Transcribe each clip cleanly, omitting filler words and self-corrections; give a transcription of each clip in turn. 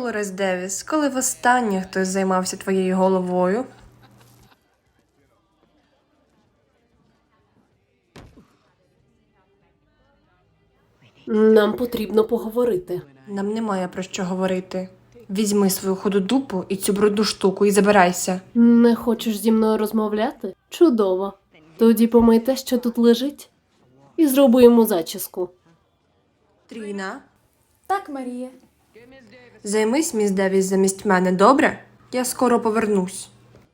Долорес Девіс, коли востаннє хтось займався твоєю головою? Нам потрібно поговорити. Нам немає про що говорити. Візьми свою ходу дупу і цю брудну штуку і забирайся. Не хочеш зі мною розмовляти? Чудово. Тоді помий те, що тут лежить, і зроби йому зачіску. Тріна, Так, Марія. займись міс Девіс замість мене, добре? Я скоро повернусь.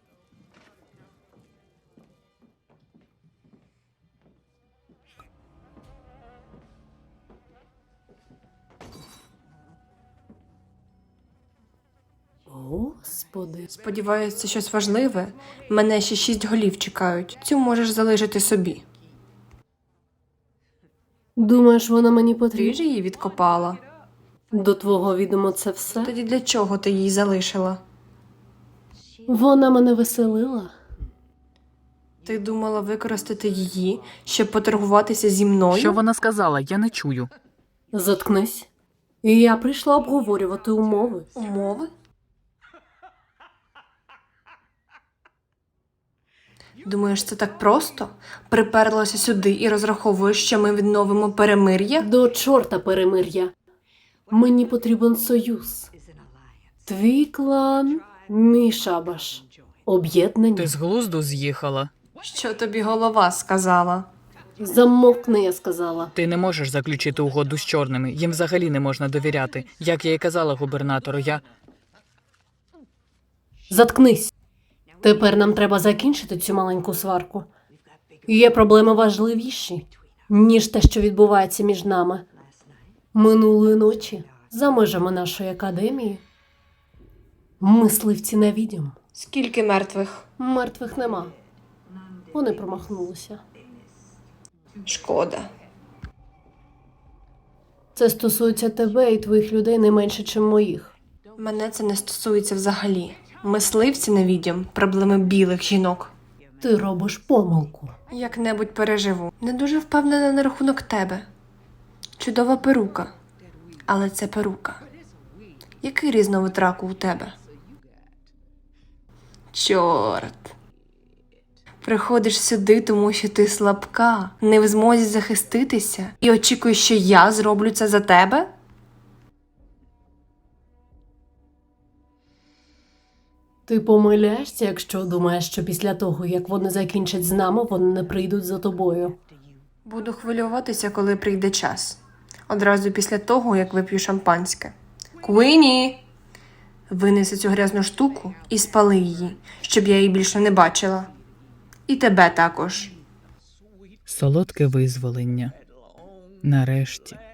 Господи. Сподіваюся, це щось важливе. Мене ще 6 голів чекають. Цю можеш залишити собі. Думаєш, вона мені Ти потрібна? ж її відкопала. До твого відомо це все? Тоді для чого ти її залишила? Вона мене веселила. Ти думала використати її, щоб поторгуватися зі мною? Що вона сказала? Я не чую. Заткнись. І я прийшла обговорювати умови. Умови? Думаєш, це так просто? Приперлася сюди і розраховуєш, що ми відновимо перемир'я? До чорта перемир'я. Мені потрібен союз. Твій клан, мій шабаш. Об'єднані. Ти з глузду з'їхала. Що тобі голова сказала? Замовкни, я сказала. Ти не можеш заключити угоду з чорними. Їм взагалі не можна довіряти. Як я й казала губернатору, Заткнись. Тепер нам треба закінчити цю маленьку сварку. Є проблеми важливіші, ніж те, що відбувається між нами. Минулої ночі, за межами нашої академії, мисливці на відьом. Скільки мертвих? Мертвих нема. Вони промахнулися. Шкода. Це стосується тебе і твоїх людей не менше, ніж моїх. Мене це не стосується взагалі. Мисливці на відьом – проблеми білих жінок. Ти робиш помилку. Як-небудь переживу. Не дуже впевнена на рахунок тебе. Чудова перука. Але це перука. Який різновид раку у тебе? Чорт. Приходиш сюди, тому що ти слабка, не в змозі захиститися і очікуєш, що я зроблю це за тебе? Ти помиляєшся, якщо думаєш, що після того, як вони закінчать з нами, вони не прийдуть за тобою. Буду хвилюватися, коли прийде час. Одразу після того, як вип'ю шампанське. Куіні! Винеси цю грязну штуку і спали її, щоб я її більше не бачила. І тебе також. Солодке визволення. Нарешті.